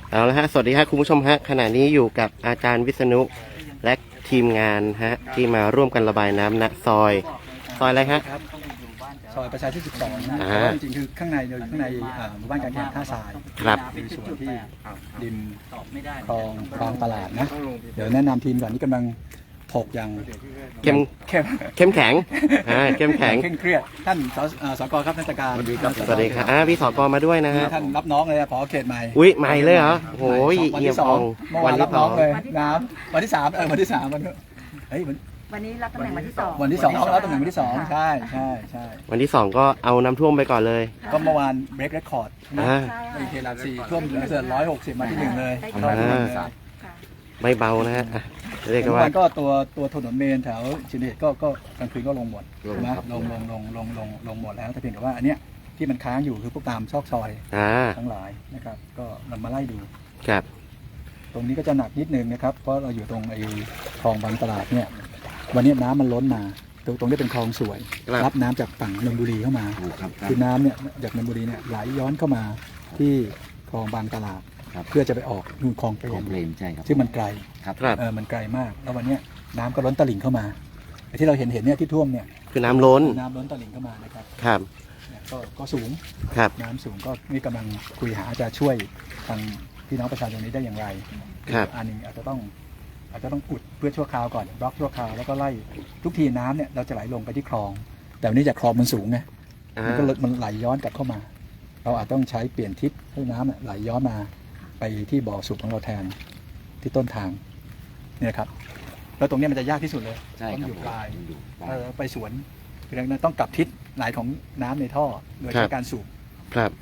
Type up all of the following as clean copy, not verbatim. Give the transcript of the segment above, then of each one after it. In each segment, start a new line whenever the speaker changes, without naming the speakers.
เอาละฮะสวัสดีครับคุณผู้ชมฮะขณะนี้อยู่กับอาจารย์วิษณุและทีมงานฮะที่มาร่วมกันระบายน้ำณซอยอะไรฮะ
ซอยประชาชื่น12นะแต่ว่าจริงๆคือข้างในเราอยู่ข้างในหมู่บ้านการแข่งท่าทราย
ครับ
คือส่วนที่ริมคลองบางตลาดนะเดี๋ยวแนะนำทีมก่อนที่กำลังถกอย่าง
เข้มแข็งเข้มแข็งเคร่ง
เครียดท่านสกครับท่านตการ
สวัสดีครับพี่สกมาด้วยนะฮะ
ท่านรับน้องเลยผอเขตใหม่
อุ้ยใหม่เลยเหรอโอ้ย
วันที่2เมื่อวานรับน้องเลยน้ำวันที่3วันที่3เฮ้ย
วันนี้รับตำแหน่งวันที่2
วันที่2น้องรับตำแหน่งวันที่2ใช่
วันที่2ก็เอาน้ำท่วมไปก่อนเลย
ก็เมื่อวานเบรกเรคคอร์ดในเขตหลัก4ท่วมเหลือเกิน160มาที่1เลย
ไม่เบานะฮะเรียกว่า
ตัวถนนเมนแถวชินเดชก็กลางคืนก็ลงหมดนะลงหมดแล้วแต่เพียงแต่ว่าอันเนี้ยที่มันค้างอยู่คือพวกตามซอกซอยทั้งหลายนะครับก็นำมาไล่ดู
ครับ
ตรงนี้ก็จะหนักนิดนึงนะครับเพราะเราอยู่ตรงไอ้คลองบางตลาดเนี่ยวันนี้น้ำมันล้นมาตรงนี้เป็นคลองสวยรับน้ำจากฝั่งนนทบุรีเข้ามาคือน้ำเนี่ยจากนนทบุรีเนี่ยไหลย้อนเข้ามาที่คลองบางตลาดเพื่อจะไปออกนู่นคลองเปรม
ใช่ครับ
ซึ่งมันไกลมันไกลมากแล้ววันนี้น้ำก็ล้นตลิ่งเข้ามาที่เราเห็นเนี่ยที่ท่วมเนี่ย
คือน้ำล้น
ตลิ่งเข้ามานะครับ
ครับ
ก็สูงน้ำสูงก็นี่กำลังคุยหาจะช่วยทางพี่น้องประชาชนนี้ได้อย่างไรอันนึงอาจจะต้องอุดเพื่อชั่วคราวก่อนบล็อกชั่วคราวแล้วก็ไล่ทุกทีน้ำเนี่ยเราจะไหลลงไปที่คลองแต่วันนี้จากคลองมันสูงไงมันไหลย้อนกลับเข้ามาเราอาจต้องใช้เปลี่ยนทิศให้น้ำไหลย้อนมาไปที่บ่อสูบของเราแทนที่ต้นทางเนี่ยครับแล้วตรงนี้มันจะยากที่สุดเลยต้องอยู่ปลายไปสวนคือดังนั้นต้องกลับทิศไหลของน้ำในท่อโดยใช้การสูบ
ครับ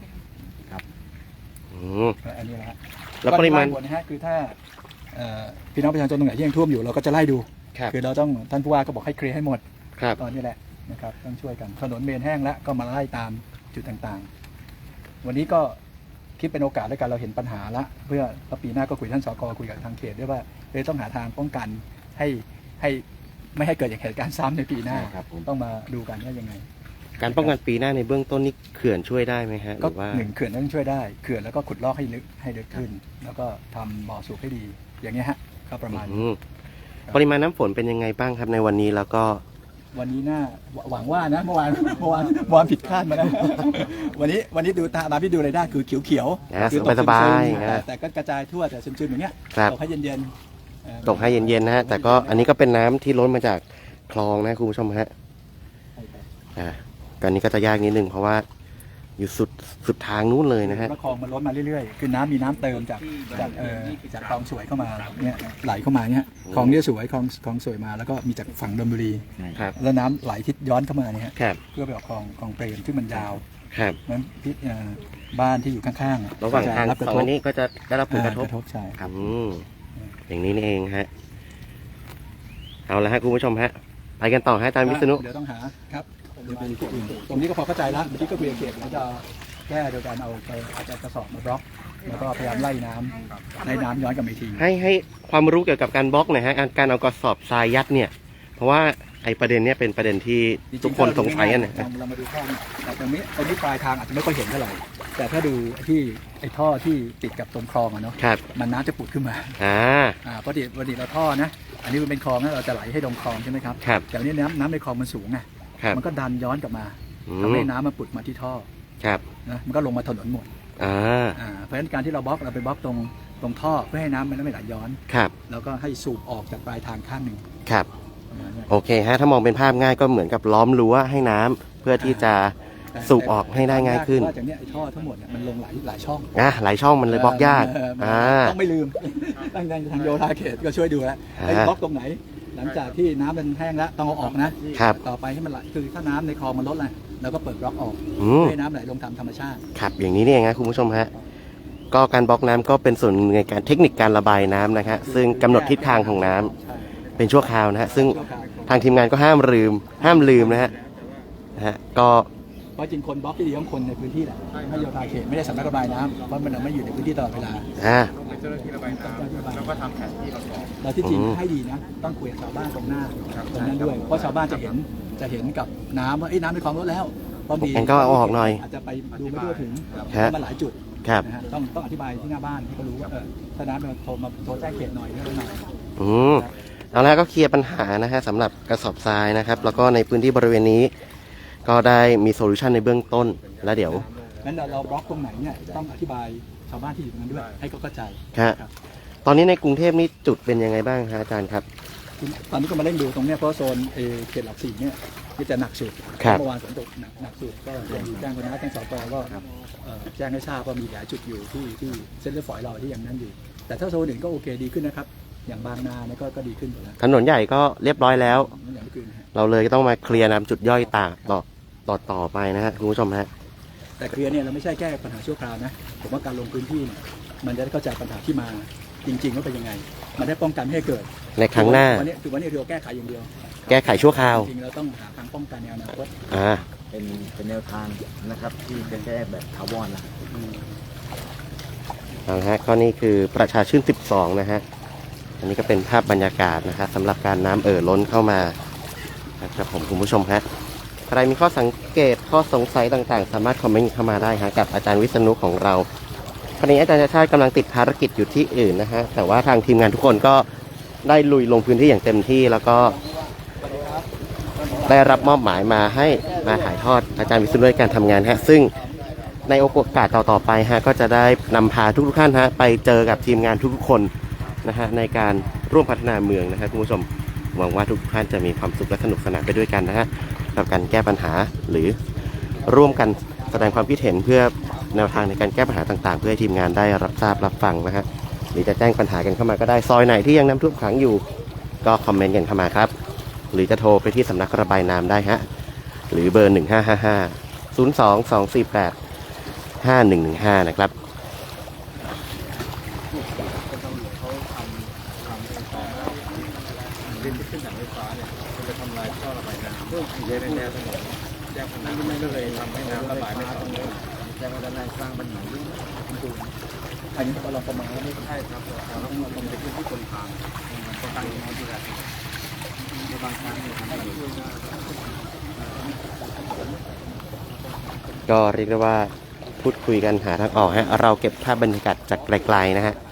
อันนี้นะฮะ
แล้วปริมาณ
นะฮะคือถ้าพี่น้องประชาชนตรงไหนที่ยังท่วมอยู่เราก็จะไล่ดูคือเราต้องท่านผู้ว่าก็บอกให้เคลียร์ให้หมดตอนนี้แหละนะครับต้องช่วยกันถนนเมนแห้งแล้วก็มาไล่ตามจุดต่างๆวันนี้ก็คิดเป็นโอกาสด้วยกันเราเห็นปัญหาละเพื่อปีหน้าก็คุยท่านสกคุยกับทางเขตด้วยว่าต้องหาทางป้องกันให้ไม่ให้เกิดอย่างเหตุการณ์ซ้ำในปีหน้าต้องมาดูกันว่ายังไง
การป้องกันปีหน้าในเบื้องต้นนี่เขื่อนช่วยได้ไหมฮะ
ก็1เขื่อนต้องช่วยได้เขื่อนแล้วก็ขุดลอกให้ลึกขึ้นแล้วก็ทำบ่อสูบให้ดีอย่างเงี้ยฮะก็ประมาณ
ปริมาณน้ำฝนเป็นยังไงบ้างครับในวันนี้แล้วก็
วันนี้น่าหวังว่านะเมื่อวานผิดคาดมานะวันนี้ดูตามที่ดูอะไรได้คือเขียว
คือสบาย
แต่ก็กระจายทั่วแต่ซึมๆอย่างเงี้ยตกให้เย็น
นะฮะแต่ก็อันนี้ก็เป็นน้ำที่ล้นมาจากคลองนะคุณผู้ชมฮะการนี้ก็จะยากนิดนึงเพราะว่าอยู่สุดทางนู้นเลยนะฮะ
คลองมันล้นมาเรื่อยๆคือมีน้ำเติมจากคลองสวยเข้ามาเนี่ยไหลเข้ามาเนี่ยคลองนี้สวยคลองสวยมาแล้วก็มีจากฝั่งนนทบุรีแล้วน้ำไหลทิศย้อนเข้ามาเนี่ยเพื่อไปออกคลองเปรมที่มันยาวนั้นที่บ้านที่อยู่ข้าง
ๆระหว่างทางสองนี้ก็จะได้รับผลกระทบ
ใช่
อย่างนี้นี่เองฮะเอาละฮะคุณผู้ชมฮะไปกันต่อฮะอาจารย์วิษณุ
เดี๋ยวต้องหาครับตรงนี้ก็พอเข้าใจแล้วเมื่อกี้ก็คุยกับเขตแล้วจะแก้โดยการเอาอาจจะกระสอบมาบล็อกแล้วก็พยายามไล่น้ำย้อนกลับไปที
ให้ความรู้เกี่ยวกับการบล็อกหน่อยฮะการเอากระสอบทรายยัดเนี่ยเพราะว่าไอ้ประเด็นเนี้ยเป็นประเด็นที่ทุกคนสงสัยกันนะ
เรามาดูท่อแต่ตรงนี้ปลายทางอาจจะไม่ค่อยเห็นเท่าไหร่แต่ถ้าดูที่ไอ้ท่อที่ติดกับตรงคลองอะเนาะมันน้ำจะปุดขึ้นมาพอดีเราท่อนะอันนี้มันเป็นคลองนะเราจะไหลให้ลงคลองใช่ไหมครับแต่วันนี้น้ำในคลองมันสูงไงมันก็ดันย้อนกลับมาทำให้น้ำมันปุดมาที่ท่อนะมันก็ลงมาถนนหมดเพราะฉะนั้นการที่เราไปบล็อกตรงท่อเพื่อให้น้ำมันไม่ไหลย้อนแล้วก็ให้สูบออกจากปลายทางข้างหนึ่ง
โอเคฮะถ้ามองเป็นภาพง่ายก็เหมือนกับล้อมรั้วให้น้ำเพื่อที่จะสูบออกให้ได้ง่ายขึ้น
ว่าจากนี้ไอ้ท่อทั้งหมดเนี่ยมันลงหลายช่อง
หลายช่องมันเลยบล็อกยาก
ต้องไม่ลืมตั้งใจทางโยธาเขตก็ช่วยดูแล้วไอ้บล็อกตรงไหนหลังจากที่น้ำมันแห้งแล้วต้องเอาออกนะต่อไปให้มันไหลคือถ้าน้ำในคลองมันลดเลยแล้วก็เปิดบล็อกออกให้น้ำไหลลงตามธรรมชาติ
ครับอย่างนี้นี่เองนะคุณผู้ชมฮะก็การบล็อกน้ำก็เป็นส่วนในการเทคนิคการระบายน้ำนะครับซึ่งกำหนดทิศทางของน้ำเป็นชั่วคราวนะฮะซึ่งทางทีมงานก็ห้ามลืมนะฮะก็
เพราะจริงคนบล็อกที่ดีของคนในพื้นที่แหละไม่โยธาเขตไม่ได้สำนักระบายน้ำเพราะมันไม่อยู่ในพื้นที่ตลอดเวลา
เจ้าหน้าที่ระบายน้ำแล้วก็ทำแผนที่
เราที่จริงให้ดีนะต้องคุยกับชาวบ้านตรงหน้าตรงนั้นด้วยเพราะชาวบ้านจะเห็นกับน้ำว่าน้ำในคลองลดแล้วพอดี
ก็เอาออกหน่อย
อาจจะไปดูไม่ทั่วถึงมาหลายจุด
ครับ
นะฮะต้องอธิบายที่หน้าบ้านให้เขารู้ว่าถ้าน้ำมันโทรแจ้งเขตหน่อยเรื่องหน่อย
อืมเอาละก็เคลียร์ปัญหานะฮะสำหรับกระสอบทรายนะครับ แล้วก็ในพื้นที่บริเวณนี้ ก็ได้มีโซลูชันในเบื้องต้น แล้วเดี๋ยว
งั้นเราบล็อกตรงไหนเนี่ยต้องอธิบายชาวบ้านที่อยู่ตรงนั้นด้วยให้เขาเข้าใจ
ฮะ
ครับ
ตอนนี้ในกรุงเทพนี่จุดเป็นยังไงบ้างฮะอาจารย์ครับ
ตอนนี้ก็มาเร่งดูตรงเนี้ยเพราะโซนเขตหลักสี่เนี่ยที่จะหนักสุด
ครับ
เมื่อวานฝนตกหนักสุดก็แจ้งคณะแจ้งสปก็แจ้งให้ทราบว่ามีหลายจุดอยู่ที่เส้นเลือดฝอยเราที่ยังนั่นอยู่ แต่ถ้าโซนอื่นก็โอเคดีขึ้นนะครับ อย่างบางนาเนี่ยก็ดีขึ้นหมดแล้ว
ถนนใหญ่ก็เรียบร้อยแล้ว
อย่างที่คืนนะฮะ
เราเลยต้องมาเคลียร์น้ำจุดย่อยต่อไปนะฮะคุณผู้ชมฮะ
แต่เคลียร์เนี่ยเราไม่ใช่แก้ปัญหาชั่วคราวนะผมว่าการลงพื้นที่เนี่ยมันจะได้เข้าใจปัญหาที่มาจริงๆว่าเป็นยังไง มันได้ป้องกันไม่ให้เกิด
ในครั้งหน้า
วันนี้เราแก้ไขอย่างเดียว
แก้ไขชั่วคราว
จริงๆเราต้องหาทางป้องกันในอนาคต
เป็นแนวทางนะครับที่จะแก้แบบถาวรนะ
เอาละฮะก็นี่คือประชาชื่น 12 นะฮะ อันนี้ก็เป็นภาพบรรยากาศนะฮะสำหรับการน้ำล้นเข้ามานะครับผมคุณผู้ชมฮะใครมีข้อสังเกตข้อสงสัยต่างๆ สามารถคอมเมนต์เข้ามาได้ฮะกับอาจารย์วิษณุของเราตอนนี้อาจารย์ชาติชาติกำลังติดภารกิจอยู่ที่อื่นนะฮะแต่ว่าทางทีมงานทุกคนก็ได้ลุยลงพื้นที่อย่างเต็มที่แล้วก็ได้รับมอบหมายมาให้มาถ่ายทอดอาจารย์วิษณุในการทำงานฮะซึ่งในโอกาสต่อๆไปฮะก็จะได้นำพาทุกๆท่านฮะไปเจอกับทีมงานทุกๆคนนะฮะในการร่วมพัฒนาเมืองนะครับคุณผู้ชมหวังว่าทุกท่านจะมีความสุขและสนุกสนานไปด้วยกันนะฮะกับการแก้ปัญหาหรือร่วมกันแสดงความคิดเห็นเพื่อแนวทางในการแก้ปัญหาต่างๆเพื่อให้ทีมงานได้รับทราบรับฟังนะฮะหรือจะแจ้งปัญหากันเข้ามาก็ได้ซอยไหนที่ยังน้ำท่วมขังอยู่ก็คอมเมนต์กันเข้ามาครับหรือจะโทรไปที่สำนักระบายน้ำได้ฮะหรือเบอร์ 1555 02-248-5115 นะครับ
ดินที่ขึ้นจากไฟฟ้าเนี่ยมันจะทำลายท่อระบายน้ำในแนวถนนแยกถนนก็เลยทำให้น้ำระบายไม่ต่อเนื่อง
แจ้งวัฒนาสร้างปัญหาเรื่อง
อันนี้เราประมาณแล้วไม่
ใช่ครับเราต้องลงไปที่คนทางต้องตั้งน้ำที่แรกในบางครั้งเนี่ยทำให้ช่วยได้
ก็เรียกได้ว่าพูดคุยกันหาทางออกฮะเราเก็บภาพบรรยากาศจากไกลๆนะฮะ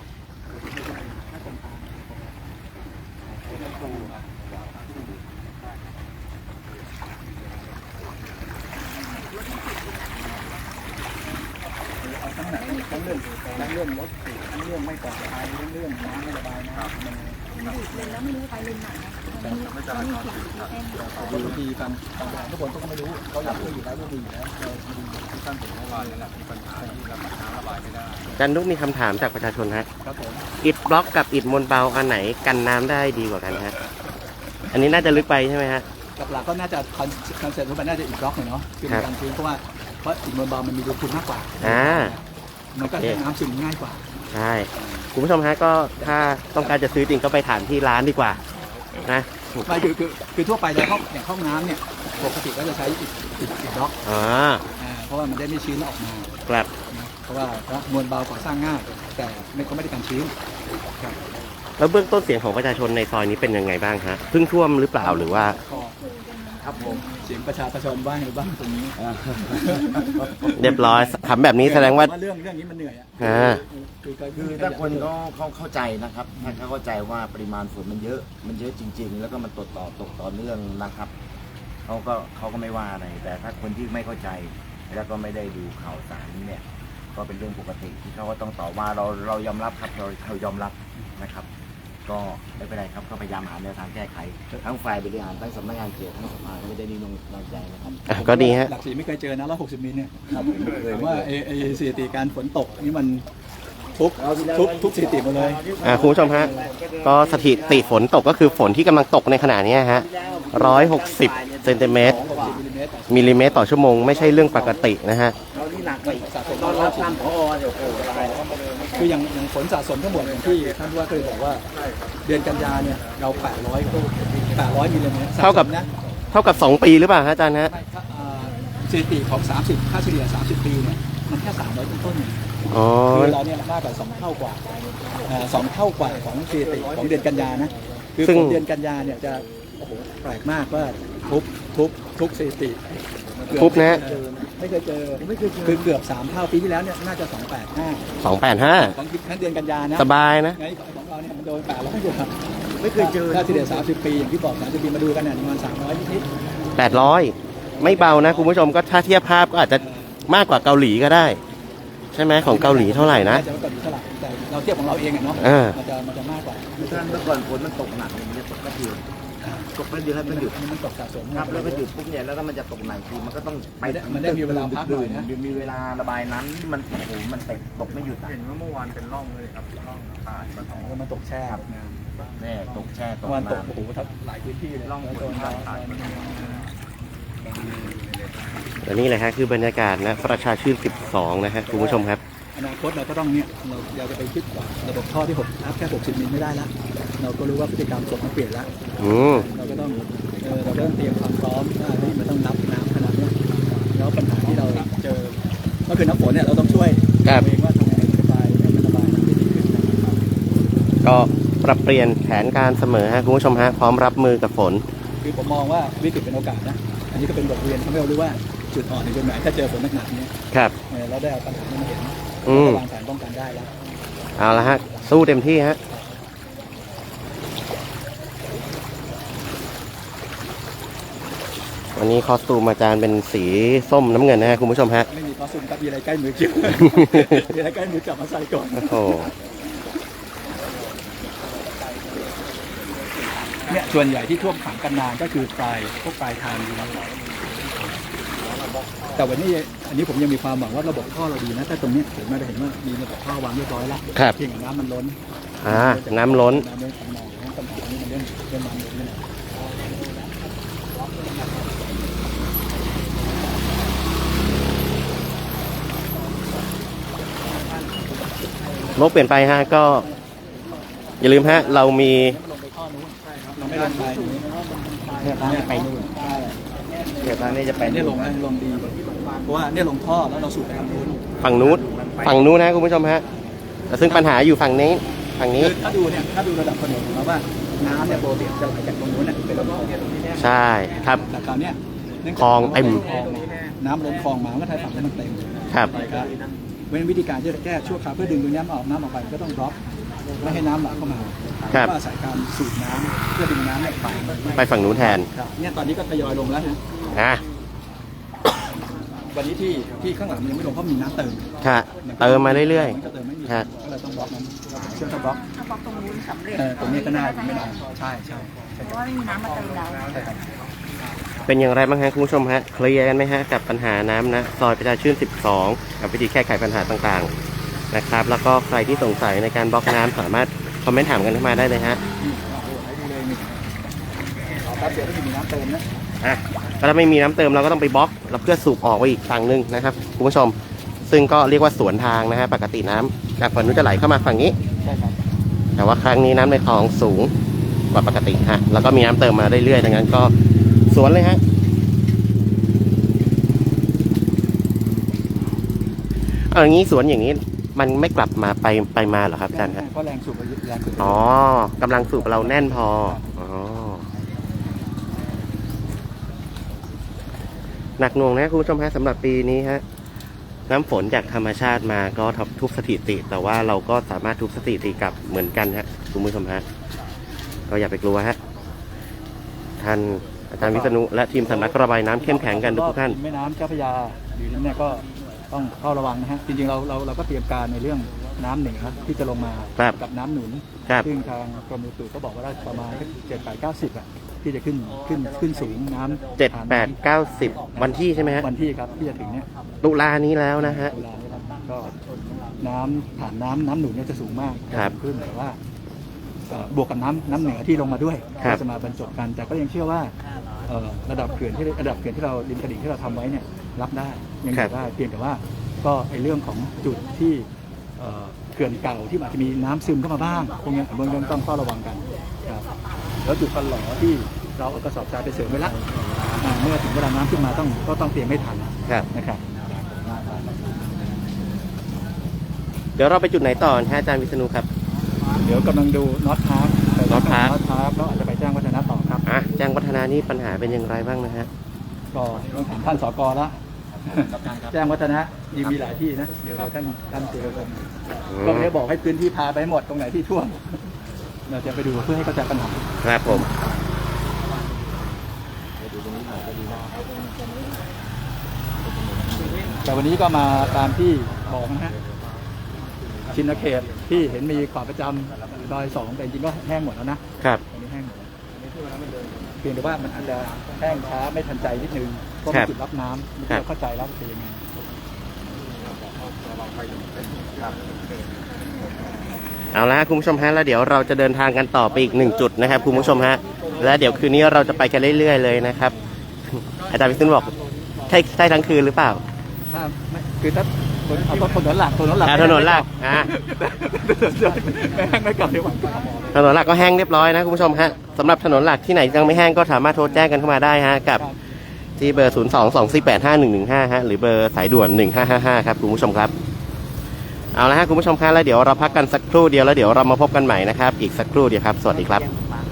ทั้งเรื่องรถติดทั้งเรื่องไม่ปลอดภัยทั้งเรื่องน้ำไม่ระบายน้ำมัน
เลยแล้วไม่รู้ไปเลนไหนนะมันมีเขียนอยู่ที่แท่ง
บางทีฟังทุกคนก็ไม่รู้เขาอยากรู้อยู่แล้วรู้ดีอยู่แล้วเราดี
ที่ท่านเห็นเมื่อวานนั่นแหละมีปัญหาที่ระบายน้ำระบายไม่ได้
จันนุกมีคำถามจากประชาชนฮะ
ครับผม
อิฐบล็อกกับอิฐมวลเบาอันไหนกันน้ำได้ดีกว่ากันฮะอันนี้น่าจะลึกไปใช่ไหมฮะ
หลักๆก็น่าจะคอนเซ็ปต์มันน่าจะอีกบล็อกหน่อยเนาะคือในการพื้นเพราะอิฐมวลเบามันมีรูพุนมากกว่า มันก็ให้น้ำซึมง่ายกว่า
ใช่คุณผู้ชมฮะก็ถ้าต้องการจะซื้อจริงก็ไปถามที่ร้านดีกว่านะ
ไม่คือทั่วไปในห้องน้ำเนี่ยปกติก็จะใช้อิฐบล็อก
อ๋อ
เพราะว่ามันได้ไม่ชื้นออกมา
ครับ
เพราะว่ามวลเบาก่อสร้างง่ายแต่เขาไม่ได้กันชื้น
แล้วเบื้องต้นเสียงของประชาชนในซอยนี้เป็นยังไงบ้างฮะเพิ่งท่วมหรือเปล่าหรือว่า
ครับผมเสียงประชาชนบ้างหรือบ้างตรงนี้
เรียบร้อยถามแบบนี้แสดงว่า
เรื่องนี้มันเหนื่อยอ่ะ
คือถ้าคนเขาเข้าใจนะครับถ้าเขาเข้าใจว่าปริมาณฝนมันเยอะจริง ๆ แล้วก็มันตกต่อเนื่องนะครับเขาก็ไม่ว่าอะไรแต่ถ้าคนที่ไม่เข้าใจแล้วก็ไม่ได้ดูข่าวสารเนี่ยก็เป็นเรื่องปกติที่เขาก็ต้องตอบว่าเรายอมรับครับเรายอมรับนะครับ ก็ไม่เป็นไรครับก็พยายามหาแนวทางแก้ไขทั้งฝ่ายบริหารทั้งสำนักงานเขตทั้งสภาไม่ได้นิ่งนอนใจนะครับ
ก็ดีฮะ
หลักสี่ไม่เคยเจอนะ160 มิลเนี่ย
ครับผมไม่เคย
ผมว่าสถิติการฝนตกนี่มันทุกสถิติหมดเลย
คุณผู้ชมฮะก็สถิติฝนตกก็คือฝนที่กำลังตกในขณะนี้ฮะ160 เซนติเมตร มิลลิเมตรต่อชั่วโมงไม่ใช่เรื่องปกตินะฮะ
เรานี่หนักไปตอนรับท่านผอเดี๋ยวโอ้โหตายแล้ว
คืออย่างฝนสะสมทั้งหมดอย่างที่ท่านผู้ว่าเคยบอกว่า เดือนกันยาเนี่ยเรา800มิลลิเมตร
เท่ากับ
สะสมนะ
เท่ากับ2 ปีหรือเปล่าฮะอาจารย์ฮะ
ไม่ถ้าสถิติของ30ค่าเฉลี่ย30 ปีเนี่ยมันแค่300ต้นๆ
อ๋อ
คือเราเนี่ยมากกว่า2 เท่ากว่า2 เท่ากว่าของสถิติของเดือนกันยานะคือ
ซึ่ง
ของเดือนกันยาเนี่ยจะโอ้โหแปลกมากว่าทุกทุกสถิติ
ทุบนะฮะ
ไม่เคยเจอคือเกือบ3 เท่าปีที่แล้วเนี่ยน่าจะ285
285
ของทั้งเดือนกันยานะ
สบายนะ
ไงของเราเนี่ยมันโดน800กว่า
ไม่เคยเจอ
ถ้าเฉลี่ย30 ปีอย่างที่บอก30 ปีมาดูกันเนี่ยประมาณ300นิด
800 ไม่เบานะคุณผู้ชมก็ถ้าเทียบภาพก็อาจจะมากกว่าเกาหลีก็ได้ ใช่ไหมของเกาหลีเท่าไหร่นะ
จะไม่ก่อนอยู่เท่าไหร่แต่เราเทียบของเราเองอะเนาะ
อ่า
มันจะมากกว่า
ท่านเมื่อก่อนฝนมันตกหนักเนี่ยมันจะตกแป๊บเดียวตกแป๊บเดียวแล้วมันหยุด
มันตกสะสม
ครับแล้วก็หยุดปุ๊บเนี่ยแล้วก็มันจะตกหนักทีมันก็ต้องไป
มันได้มีเวลาพักหน่อยนะ
มีเวลาระบายน้ำที่มันโอ้โหมันตกไม่หยุดอะ
เห็นว่าเมื่อวานเป็นร่องเลยครับร่องขาดมาสอง
มันตกแช่ครับ
แน่ตกแช่ตก
วันตก
น้ำ
โอ้โหทับหลายพื้นที่เลย
ร่องฝ
โด
น
น
ขาดขาด
และนี่แหละฮะคือบรรยากาศนะประชาชื่น 12 นะฮะคุณผู้ชมครับ
อนาคตเราก็ต้องเนี่ยเราอยากจะไปคิดว่าระบบท่อที่6อัพแค่60 มิลไม่ได้ละเราก็รู้ว่าพฤติกรรมฝนมันเปลี่ยนละ
อืม
เราก็ต้องเตรียมความพร้อมว่าเฮ้ยมันต้องรับน้ำขนาดเนี้ยแล้วปัญหาที่เราเจอก็คือน้ำฝนเนี่ยเราต้องช่วย
ครับ
ตัวเองว่าทำยังไงระบายให้มันระบายน้ำได้ดีขึ้นนะครับ
ก็ปรับเปลี่ยนแผนการเสมอฮะคุณผู้ชมฮะพร้อมรับมือกับฝน
คือผมมองว่าวิกฤตเป็นโอกาสนะอันนี้ก็เป็นบทเรียนทำให้เรารู้ว่าจุดอ่อนในตรงไหนถ้าเจอฝนหนักๆเนี้ย
ครับ
เราได้เอาปัญหานี้มาเห็น
อืม
วางแผนป้องกันได้แล้ว
เอาละฮะ สู้เต็มที่ฮะ วันนี้คอสตูมอาจารย์เป็นสีส้มน้ำเงินนะฮะคุณผู้ชมฮะ
ไม่มีคอสตูมครับมีอะไรใกล้มือเกี่ยว มีอะไรใกล้มือจับมาใส่ก่อน
โอ้โห
เนี่ยส่วนใหญ่ที่ท่วมขังกันนานก็คือพวกปลายทางอยู่แต่วันนี้อันนี้ผมยังมีความหวังว่าระบบท่อเราดีนะแต่ตรงเนี้ยผมไม่ได้เห็นว่ามีระบบท่อวางเรียบร้อยแล้ว
ครับ
เพียงแต่น้ำมันล้น
น้ำล้น
น้ำล้นของหนองน้ำปัญหานี้มันเรื่องน้ำล้นนี่แหละ
โลกเปลี่ยนไปฮะก็ อย่าลืมฮะ เรามี
เราไม่ลงไปเนี่ยทางนี้ไปนู่น
เดี๋ยวทางนี้จะไป
เนี่ยลงดีเพราะว่าเนี่ยลงท่อแล้วเราสูบไปทางนู้น
ฝั่งนู้นนะคุณผู้ชมฮะแต่ซึ่งปัญหาอยู่ฝั่งนี้ ฝั่งนี้
คือถ้าดูระดับถนนของเราว่าน้ำเนี่ยปกติจะไหลจากตรงนู้นเนี่ยไปลงคลองเนี่ย
ใช่ครับ
แต่คราวเนี้ยเนื่จาก
คลองเต็ม
น้ำล้นคลองมาก็ทายฝั่งให้มันเต็ม
ครับ
ครับเว้นวิธีการที่จะแก้ชั่วคราวเพื่อดึงตัวน้ำออกไปก็ต้องบล็อกไม่ให้น้ำไหลเข้ามา
ครับ
ก็อาศัยการสูบน้ำเพื่อดึงน้ำเนี่ยไป
ไปฝั่งนู้นแทน
ครับเนี่ยตอนนี้ก็ทยอยลงแล้วนะ
อ่ะ
วันนี้ที่ข้างหลังมันยังไม่ลงเพราะมีน้ำเติม
ค่ะ เติมมาเรื่อย
มันก็เติมไม่มี
ครับ
ก็เลยต้องบล็อกนั้นเชื่อมต้องบล็อก
ถ้าบอกตรงนู้นสำเร็จ
ตรงนี้ก็น่าไม่นานใช่
เพราะว่าไม่มีน้ำมาเติมแล้ว
ใช่ครับ
ๆ เป็นอย่างไรบ้างฮะคุณผู้ชมฮะ เคลียร์กันไหมฮะกับปัญหาน้ำนะ ซอยประชาชื่น 12 กับวิธีแก้ไขปัญหาต่างๆ นะครับ แล้วก็ใครที่สงสัยในการบล็อกน้ำสามารถคอมเมนต์ถามกันเข้ามาได้เลยฮะ
นี่โอ้โหให้ดูเลยนี่แป๊บเดียวก็จะมีน้ำเติมนะ
อ่ะก็ถ้าไม่มีน้ำเติมเราก็ต้องไปบล็อกแล้วเพื่อสูบออกไปอีกฝั่งหนึ่งนะครับคุณผู้ชม ซึ่งก็เรียกว่าสวนทางนะฮะปกติน้ำจากฝั่งนู้นจะไหลเข้ามาฝั่งนี้
ใช่ครับ
แต่ว่าครั้งนี้น้ำในคลองสูงกว่าปกติฮะแล้วก็มีน้ำเติมมาเรื่อยๆดังนั้นก็สวนเลยฮะเอาอย่างนี้สวนอย่างนี้มันไม่กลับมาไปมาเหรอครับอาจารย์ครับ
เพราะแรงสูบแรงสูบ
อ๋อกำลังสูบเราแน่นพออ๋อหนักหน่วงนะคุณผู้ชมฮะสำหรับปีนี้ฮะน้ำฝนจากธรรมชาติมาก็ทุบสถิติ แต่ว่าเราก็สามารถทุบสถิติกลับเหมือนกันฮะคุณผู้ชมฮะก็อย่าไปกลัวฮะท่านอาจารย์วิษณุและทีมสำนักระบายน้ำเข้มแข็งกันทุกท่าน
แม่น้ำเจ้าพระยาหรือเนี่ยก็ต้องเฝ้าระวังนะฮะจริงๆเราก็เตรียมการในเรื่องน้ำเหนือที่จะลงมา
ครับ
กับน้ำหนุน
ครับ
ซึ่งทางกรมอุตุก็บอกว่าได้ประมาณ7-8-90อ่ะที่จะขึ้นสูงน้ำ
7-8-90 วันที่ใช่ไหมฮะ
วันที่ครับที่จะถึงเนี่ย
ตุลานี้แล้วนะฮะ
ตุลาเนี่ยครับก็น้ำผ่านน้ำหนุนเนี่ยจะสูงมาก
ครับ
ขึ้นแต่ว่าบวกกับน้ำเหนือที่ลงมาด้วย
ครับ
ก็จะมาบรรจบกัน แต่ก็ยังเชื่อว่าระดับเขื่อนที่เราริมตลิ่งที่เราทำไว้เนี่ยรับได้ยังอยู่ได้เพียงแต่ว่าก็ไอเรื่องของจุดที่เขื่อนเก่าที่อาจจะมีน้ำซึมเข้ามาบ้างพวกนี้เบื้องต้นต้องเฝ้าระวังกันครับแล้วจุดฟันหล่อที่เราเอากระสอบทรายไปเสริมไว้ละเมื่อถึงเวลาน้ำขึ้นมาก็ต้องเตรียมไม่ทัน
ครับ
นะครับ
เดี๋ยวเราไปจุดไหนต่อฮะอาจารย์วิษณุครับ
เดี๋ยวกำลังดูน็อตพาร์ค
North Park
น็อตพาร์คแล้วอาจจะไปแจ้งวัฒนะต่อครับ
อ่ะแจ้งวัฒนานี่ปัญหาเป็นอย่างไรบ้างนะฮะ
ก็ต้องถามท่านสกละแจ้งวัฒนะยังมีหลายที่นะเดี๋ยวท่านเจอกันก็ไม่ได้บอกให้พื้นที่พาไปหมดตรงไหนที่ท่วมเราจะไปดูเพื่อให้เข้าใจปัญหา
ครับผม
แต่วันนี้ก็มาตามที่บอกนะฮะชินเขตที่เห็นมีขวาประจำดอย2แต่จริงๆก็แห้งหมดแล้วนะครับ ตอนนี้แห้งหมดเพียงแต่ว่ามันอาจจะแห้งช้าไม่ทันใจนิดนึงเพราะ
ครั
มี
บ
จุดรับน้ำไม่
ครับ
เข้าใจแล้วเป็นยังไง
เอาละคุณผู้ชมฮะแล้วเดี๋ยวเราจะเดินทางกันต่อไปอีก1จุดนะครับคุณผู้ชมฮะและเดี๋ยวคืนนี้เราจะไปกันเรื่อยๆเลยนะครับอาจารย์วิษณุบอกใช่ทั้งคืนหรือเปล่า
ถ้าไม่คือถ้าเอาถนนหลักถนนหลัก
ถนนหลัก
ไม่แห้งไม่ก่อนดีกว่า
ถนนหลักก็แห้งเรียบร้อยนะคุณผู้ชมฮะสำหรับถนนหลักที่ไหนยังไม่แห้งก็สามารถโทรแจ้งกันเข้ามาได้ฮะกับที่เบอร์ 022485115 ฮะหรือเบอร์สายด่วน 1555 ครับคุณผู้ชมครับเอาละฮะคุณผู้ชมครับแล้วเดี๋ยวเราพักกันสักครู่เดียวแล้วเดี๋ยวเรามาพบกันใหม่นะครับอีกสักครู่เดียวครับสวัสดีครับ